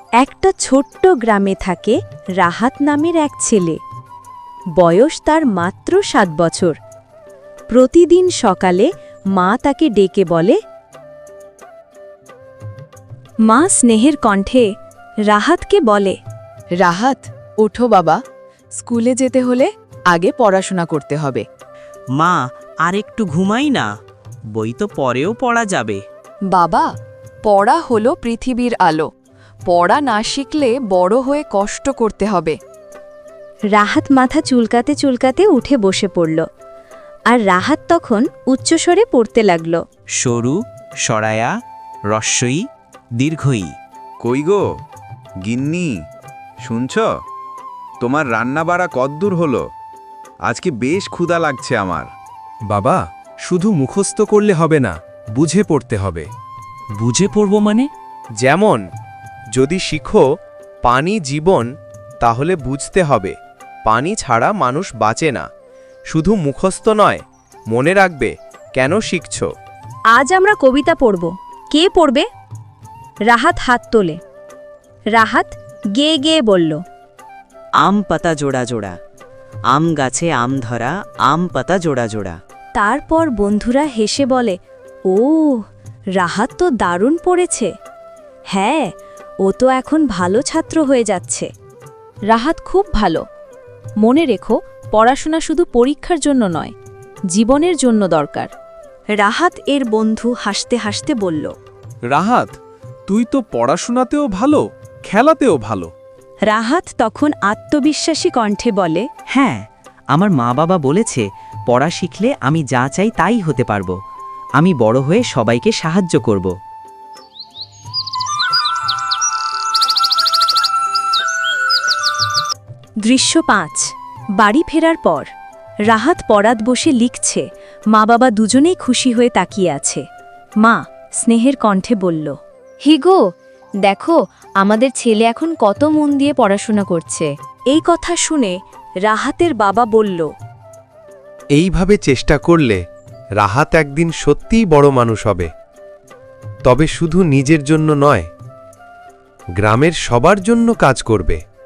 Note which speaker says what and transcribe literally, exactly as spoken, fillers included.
Speaker 1: একটা ছোট্ট গ্রামে থাকে রাহাত নামের এক ছেলে। বয়স তার মাত্র সাত বছর। প্রতিদিন সকালে মা তাকে ডেকে বলে, মা স্নেহের কণ্ঠে রাহাতকে বলে,
Speaker 2: রাহাত, ওঠো বাবা, স্কুলে যেতে হলে আগে পড়াশোনা করতে হবে।
Speaker 3: মা, আর একটু ঘুমাই না, বই তো পরেও পড়া যাবে।
Speaker 2: বাবা, পড়া হলো পৃথিবীর আলো। পড়া না শিখলে বড় হয়ে কষ্ট করতে হবে।
Speaker 1: রাহাত মাথা চুলকাতে চুলকাতে উঠে বসে পড়ল। আর রাহাত তখন উচ্চস্বরে পড়তে লাগল,
Speaker 3: সরু সরায়া রস্বই দীর্ঘই।
Speaker 4: কই গো গিন্নি, শুনছ? তোমার রান্না বাড়া কদ্দূর হলো? আজকে বেশ ক্ষুধা লাগছে আমার।
Speaker 5: বাবা, শুধু মুখস্থ করলে হবে না, বুঝে পড়তে হবে।
Speaker 3: বুঝে পড়ব মানে?
Speaker 5: যেমন, যদি শিখো পানি জীবন, তাহলে বুঝতে হবে পানি ছাড়া মানুষ বাঁচে না। শুধু মুখস্থ নয়, মনে রাখবে কেন শিখছ।
Speaker 1: আজ আমরা কবিতা পড়ব। কে পড়বে? রাহাত হাত তোলে। রাহাত গেয়ে গেয়ে বলল,
Speaker 3: আম পাতা জোড়া জোড়া, আম গাছে আম ধরা, আম পাতা জোড়া জোড়া।
Speaker 1: তারপর বন্ধুরা হেসে বলে, ও, রাহাত তো দারুণ পড়েছে। হ্যাঁ, ও তো এখন ভালো ছাত্র হয়ে যাচ্ছে। রাহাত খুব ভালো। মনে রেখো, পড়াশোনা শুধু পরীক্ষার জন্য নয়, জীবনের জন্য দরকার। রাহাত এর বন্ধু হাসতে হাসতে বলল,
Speaker 5: রাহাত, তুই তো পড়াশোনাতেও ভালো, খেলাতেও ভালো।
Speaker 1: রাহাত তখন আত্মবিশ্বাসী কণ্ঠে বলে,
Speaker 3: হ্যাঁ, আমার মা বাবা বলেছে পড়া শিখলে আমি যা চাই তাই হতে পারবো। আমি বড় হয়ে সবাইকে সাহায্য করব।
Speaker 1: দৃশ্য পাঁচ। বাড়ি ফেরার পর রাহাত পড়াত বসে লিখছে। মা বাবা দুজনেই খুশি হয়ে তাকিয়ে আছে। মা স্নেহের কণ্ঠে বলল, হিগো, দেখো আমাদের ছেলে এখন কত মন দিয়ে পড়াশোনা করছে। এই কথা শুনে রাহাতের বাবা বলল,
Speaker 5: এইভাবে চেষ্টা করলে রাহাত একদিন সত্যিই বড় মানুষ হবে। তবে শুধু নিজের জন্য নয়, গ্রামের সবার জন্য কাজ করবে।